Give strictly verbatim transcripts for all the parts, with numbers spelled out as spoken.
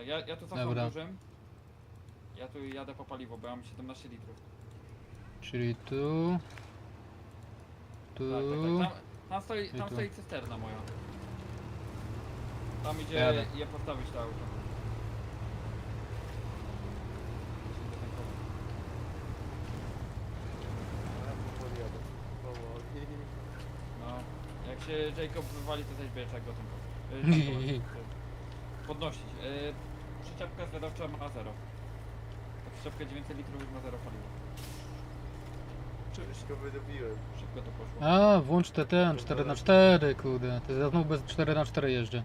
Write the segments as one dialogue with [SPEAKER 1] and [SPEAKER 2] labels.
[SPEAKER 1] ja, ja tu cofam
[SPEAKER 2] Dobra.
[SPEAKER 1] dużym. Ja tu jadę po paliwo, bo ja mam siedemnaście litrów.
[SPEAKER 2] Czyli tu... Tu...
[SPEAKER 1] Tak, tak, tak. Tam, tam, stoi,
[SPEAKER 2] I
[SPEAKER 1] tam
[SPEAKER 2] tu.
[SPEAKER 1] stoi cysterna moja. Tam idzie
[SPEAKER 2] Jadę.
[SPEAKER 1] je postawić to auto.
[SPEAKER 3] Ja powoli jadę. Powoli.
[SPEAKER 1] No, jak się Jacob wywali, to też bierze go tym y, podnosić. Yy, przyczepka zwiadowcza ma zero. Ta przyczepka dziewięćset litrów już ma zero paliwa.
[SPEAKER 3] Wszystko wydobiłem.
[SPEAKER 1] Szybko to poszło.
[SPEAKER 2] A, włącz te ten, cztery na cztery, kurde. To ja znowu bez cztery na cztery jeżdżę.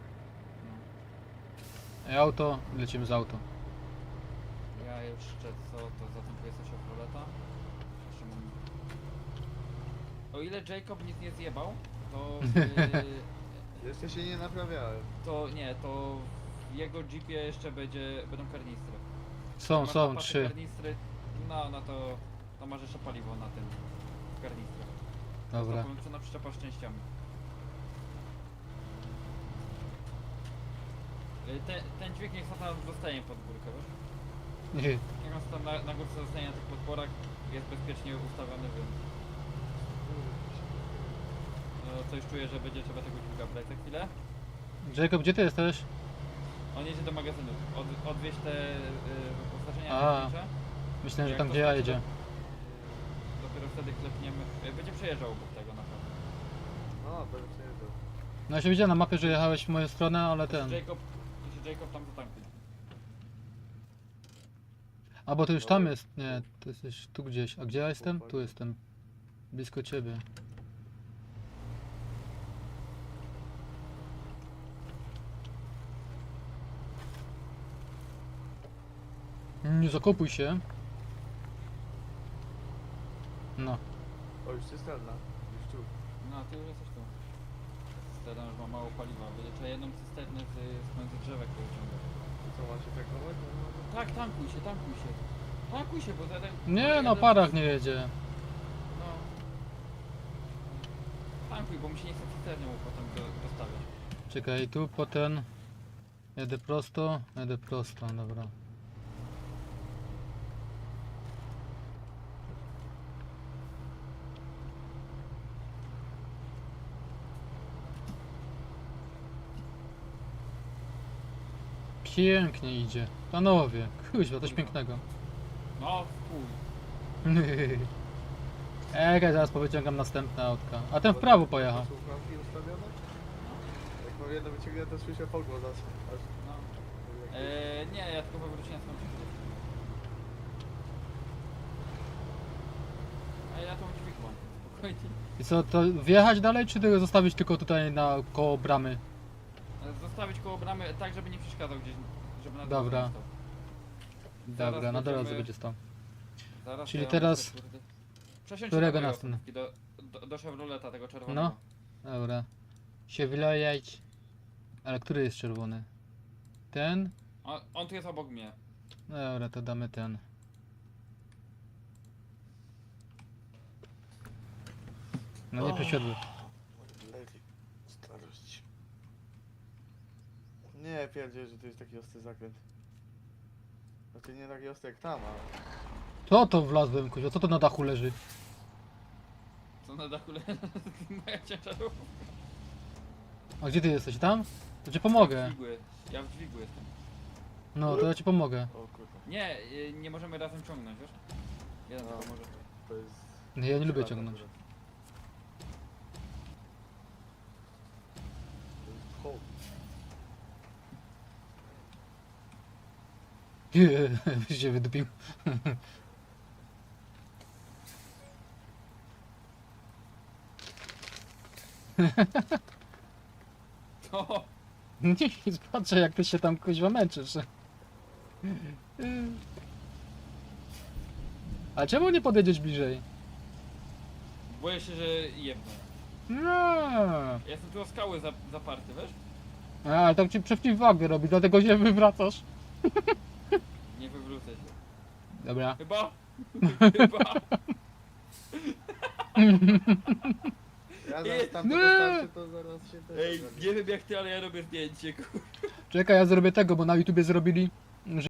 [SPEAKER 1] No.
[SPEAKER 2] I auto, lecimy z auto.
[SPEAKER 1] Ja jeszcze co, to zatankuję sobie Chevroleta. Jeszcze mam... O ile Jacob nic nie zjebał, to... Yy,
[SPEAKER 3] Jeszcze się nie naprawiałem.
[SPEAKER 1] to nie, to w jego jeepie jeszcze będzie, będą karnistry.
[SPEAKER 2] Są,
[SPEAKER 1] Masz
[SPEAKER 2] są,
[SPEAKER 1] zapaty
[SPEAKER 2] trzy.
[SPEAKER 1] Karnistry, no, no to, to masz jeszcze paliwo na tym karnistrach.
[SPEAKER 2] Dobra.
[SPEAKER 1] Co na przyczepa z częściami. Y, Te, ten dźwig niech tam zostanie pod górkę, wiesz? Niech on tam na, na górce zostanie na tych podporach, jest bezpiecznie ustawiony, więc no, coś czuję, że będzie trzeba tego dźwiga brać za chwilę.
[SPEAKER 2] Jacob, gdzie ty jesteś?
[SPEAKER 1] On jedzie do magazynu, Od, odwieźć te y, wyposażenia
[SPEAKER 2] A.
[SPEAKER 1] technicze.
[SPEAKER 2] Myślałem, że
[SPEAKER 1] Jak
[SPEAKER 2] tam
[SPEAKER 1] to
[SPEAKER 2] gdzie ja
[SPEAKER 1] skończy,
[SPEAKER 2] jedzie.
[SPEAKER 1] to Dopiero wtedy klepniemy, y, będzie przejeżdżał obok tego na pewno.
[SPEAKER 3] No, będę przejeżdżał.
[SPEAKER 2] No ja się widziałem na mapie, że jechałeś w moją stronę, ale
[SPEAKER 1] To się
[SPEAKER 2] ten...
[SPEAKER 1] Jacob, to się Jacob tam zatankuje.
[SPEAKER 2] A bo to już tam jest, nie, to jesteś tu gdzieś. A gdzie ja jestem? Tu jestem. Blisko ciebie. Nie zakopuj się. No.
[SPEAKER 3] O, już cysterna. Już tu.
[SPEAKER 1] No, ty już jesteś tu. Cysterna już ma mało paliwa, będzie trzeba jedną cysternę z, z między drzewek wyciągać.
[SPEAKER 3] To co, ma się tankować?
[SPEAKER 1] Tak, tankuj się, tankuj się. Tankuj się, bo zatem...
[SPEAKER 2] Nie, na parach nie jedzie.
[SPEAKER 1] No. Tankuj, bo mi się nie chce cysternią potem do- dostawiać.
[SPEAKER 2] Czekaj, tu potem... Jedę prosto, jedę prosto, dobra. Pięknie idzie. Panowie, kuźwa, coś pięknego.
[SPEAKER 1] No, chuj.
[SPEAKER 2] Ej, zaraz powyciągam następne autka. A ten w prawo pojechał.
[SPEAKER 3] Słuchawki ustawione? Jak mam jedno wyciągnięte, to słyszę pogłos aż. aż
[SPEAKER 1] No. Eee, nie, ja tylko wywróciłem swoją przyszłość. A ja tą dźwig mam, spokojnie.
[SPEAKER 2] I co, to wjechać dalej, czy tego zostawić tylko tutaj na koło bramy?
[SPEAKER 1] E, Zostawić koło bramy tak, żeby nie przeszkadzał gdzieś, żeby na
[SPEAKER 2] Dobra.
[SPEAKER 1] drodze nie stał. Zaraz
[SPEAKER 2] Dobra, na drodze
[SPEAKER 1] będziemy-
[SPEAKER 2] będzie stał.
[SPEAKER 1] Zaraz
[SPEAKER 2] Czyli
[SPEAKER 1] ja
[SPEAKER 2] teraz-
[SPEAKER 1] muszę, kurde, przesiąść
[SPEAKER 2] którego
[SPEAKER 1] się do
[SPEAKER 2] następny?
[SPEAKER 1] mojej do, do, do Chevroleta tego czerwonego.
[SPEAKER 2] No. Dobra. Się wylejać. Ale który jest czerwony? Ten?
[SPEAKER 1] On, on tu jest obok mnie.
[SPEAKER 2] Dobra, to damy ten. No nie przesiadły.
[SPEAKER 3] Lepiej. Starość. Nie, pierdzie, że to jest taki ostry zakręt. Znaczy nie taki ostry jak tam, ale...
[SPEAKER 2] Co to wlazłem, kuźwa? Co to na dachu leży?
[SPEAKER 1] Co na dachu leży? Moja ciężarówka.
[SPEAKER 2] A gdzie ty jesteś? Tam? To ci
[SPEAKER 1] Ja w
[SPEAKER 2] pomogę.
[SPEAKER 1] dźwigu, ja w dźwigu jestem.
[SPEAKER 2] No, to ja ci pomogę.
[SPEAKER 3] O kurwa.
[SPEAKER 1] Nie, y, nie możemy razem ciągnąć, wiesz? Jeden
[SPEAKER 3] No.
[SPEAKER 1] tylko może.
[SPEAKER 3] To jest...
[SPEAKER 2] Nie, ja nie lubię
[SPEAKER 3] przywatna
[SPEAKER 2] ciągnąć.
[SPEAKER 3] akurat. To jest hołd.
[SPEAKER 2] Byś się wydupił.
[SPEAKER 1] To,
[SPEAKER 2] Nie, patrzę jak ty się tam kuźwa męczysz. A czemu nie podjedziesz bliżej?
[SPEAKER 1] boję się, że jebnę.
[SPEAKER 2] No.
[SPEAKER 1] Ja jestem tu o skały za, zaparty, wiesz?
[SPEAKER 2] A, ale tak ci przeciwwagę robi, dlatego się wywracasz.
[SPEAKER 1] Nie wywrócę się.
[SPEAKER 2] Dobra.
[SPEAKER 1] Chyba? Chyba.
[SPEAKER 3] Ja
[SPEAKER 1] Nie.
[SPEAKER 3] zaraz tam to
[SPEAKER 2] Nie.
[SPEAKER 3] dostarczę, to zaraz się też
[SPEAKER 1] Ej,
[SPEAKER 3] ogarnie.
[SPEAKER 1] nie wiem jak ty, ale ja robię zdjęcie, kur...
[SPEAKER 2] Czekaj, ja zrobię tego, bo na YouTubie zrobili